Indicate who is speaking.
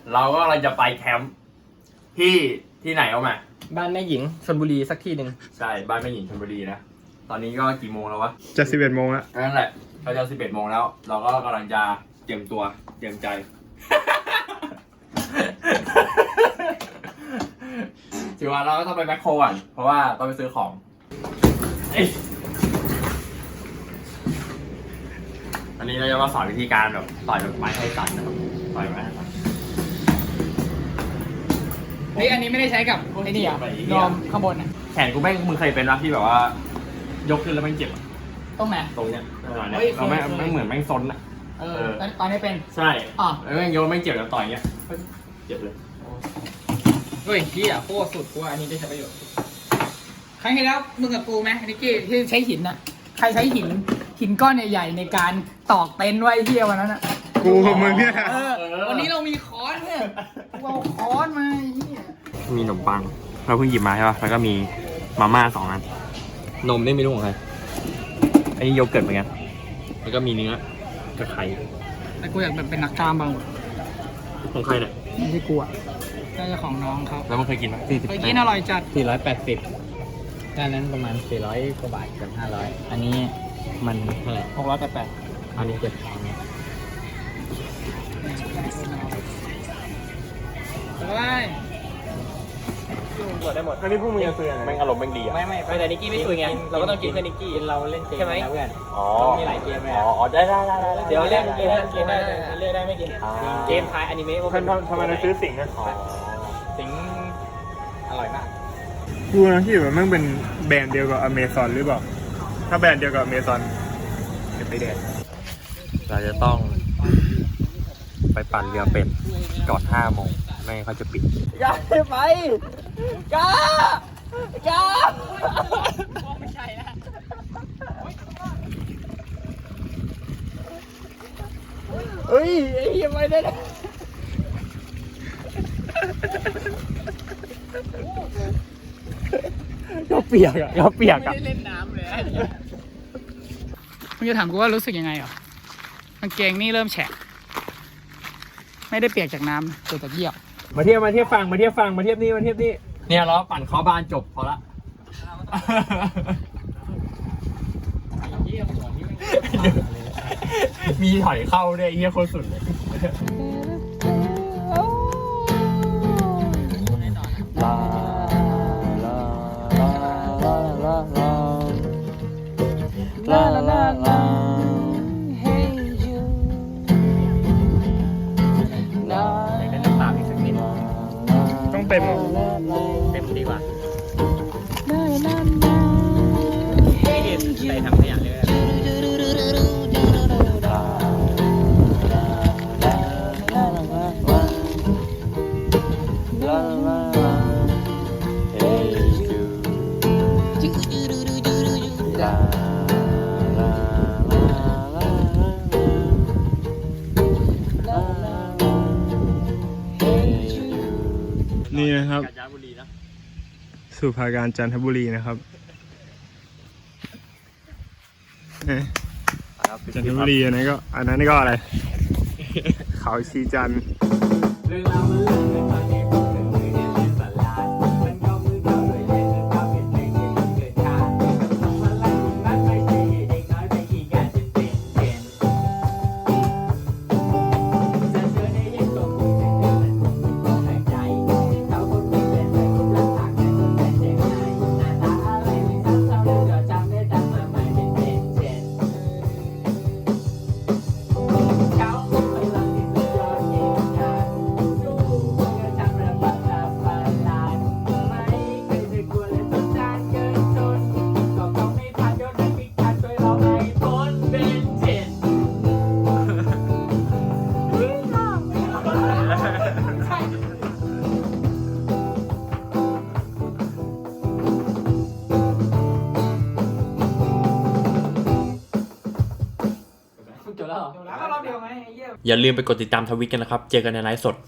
Speaker 1: เราก็กำลังจะไปแคมป์ที่ไหนเอามา
Speaker 2: บ้านแม่หญิงชลบุรีสักที่หนึ่ง
Speaker 1: ใช่บ้านแม่หญิงชลบุรีนะตอนนี้ก็กี่โมงแล้ววะ
Speaker 3: จะ11 โมงแล้ว
Speaker 1: นั่นแหละเราจะ11 โมงแล้วเราก็กำลังจะเตรียมตัวเตรียมใจถือว่าเราก็ต้องไปแมคโครก่อนเพราะว่าต้องไปซื้อของอันนี้เราจะมาสอนวิธีการแบบต่อยแบบไม้ให้สั่นนะครับต่อยไม้ให้สั่น
Speaker 4: เฮ้ยอันนี้ไม่ได้ใช้กับไอ้นี่อ่ะนอมข้างบนอ่ะ
Speaker 1: แขนกูแม่งมึงเคยเป็นรับที่แบบว่ายกขึ้นแล้วแม่งเจ็บอ่ะ
Speaker 4: ตรงไหน
Speaker 1: ตรงเนี้ยเราแม่งเหมือนแม่งซนอ่ะ
Speaker 4: ตอนนี้เป็น
Speaker 1: ใช่แล้วแม่งยกแม่งเจ็บแล้วต่อยเงี้ยเจ็บเลย
Speaker 4: เฮ้ยพี่อ่ะโคตรสุดกูอันนี้ได้ใช้ประโยชน์ครั้งที่แล้วมึงกับกูไหมนิกกี้ที่ใช้หินอ่ะใครใช้หินก้อนใหญ่ๆในการตอกเต็นท์ไว้เที่ยววันนั้นอ่ะ
Speaker 3: กูกับมึงเนี่ย
Speaker 4: วันนี้เรามีค้อนเนี่ยเราค้อนมา
Speaker 1: มีขนมปังเราเพิ่งหยิบมาใช่ป่ะแล้วก็มีมาม่า2 อันนมนี่ไม่รู้ของใครอันนี้โยเกิร์ตเหมือนกันแล้วก็มีเนื้อกับไข่
Speaker 4: แต่กูอยากแบบเป็นนักกล้ามบ้าง
Speaker 1: ของใครเนี่ย
Speaker 4: ไม่ใช่กูอ่ะน่าจะของน้องเขา
Speaker 1: แล้วมันเคยกินไหม
Speaker 4: เคยกินอร่อยจัด
Speaker 2: 480ด้านนั้นประมาณ400 กว่าบาทกับ500อันนี้มันเท่าไหร่
Speaker 4: 688
Speaker 2: อันนี้700
Speaker 4: ได้หมด
Speaker 3: อันนี้พวกมึงจะซื้ออะไร
Speaker 1: แม่งอารมณ์แม่งดีอ่ะ
Speaker 2: ไม่แต่นิกกี้ไม่คุยไงเราก็ต้องกินเพื่อนิกกี้เราเล่นเกมนะเพื่อนมีหลายเกมเลย
Speaker 1: อ๋อได้
Speaker 2: เดี๋ยวเล่นเกมได้เลือกได้ไม่กินเกมทายอนิเมะ
Speaker 3: ทำไมเราซื้อสิงห์นะ
Speaker 2: สิงอร่อยมาก
Speaker 3: กูนะที่แบบมันเป็นแบรนด์เดียวกับอเมซอนหรือเปล่าถ้าแบรนด์เดียวกับอเมซอนจะไปแดด
Speaker 1: เราจะต้องไปปั่นเรือเป็ดก่อน5 โมงไม่เขาจะปิด
Speaker 4: อย่าไปก้าไม่ใช่นะเฮ้ยไอ้เหี้ยไปได้เลย
Speaker 1: ก็เปียกอ่ะ
Speaker 4: ไม่ได้เล่นน้ำเลยมึงจะถามกูว่ารู้สึกยังไงเหรอกางเกงนี่เริ่มแฉะไม่ได้เปียกจากน้ำเกิดจากเยี่ยว
Speaker 1: มาเทียบฟังมาเทียบนี่เนี่ยเราปั่นเข้าบ้านจบพอละมีถอยเข้าด้วยเฮียโคตรสุดเลย
Speaker 3: เต็ม
Speaker 2: ดีกว่าใส่ทำขยะเลย
Speaker 3: นี่นะครับสุภาการจันทบุรีนะครับจันทบุรีอันนั้นก็อะไรเขาชีจันทร์
Speaker 1: อย่าลืมไปกดติดตามทวิตกันนะครับเจอกันในไลฟ์สด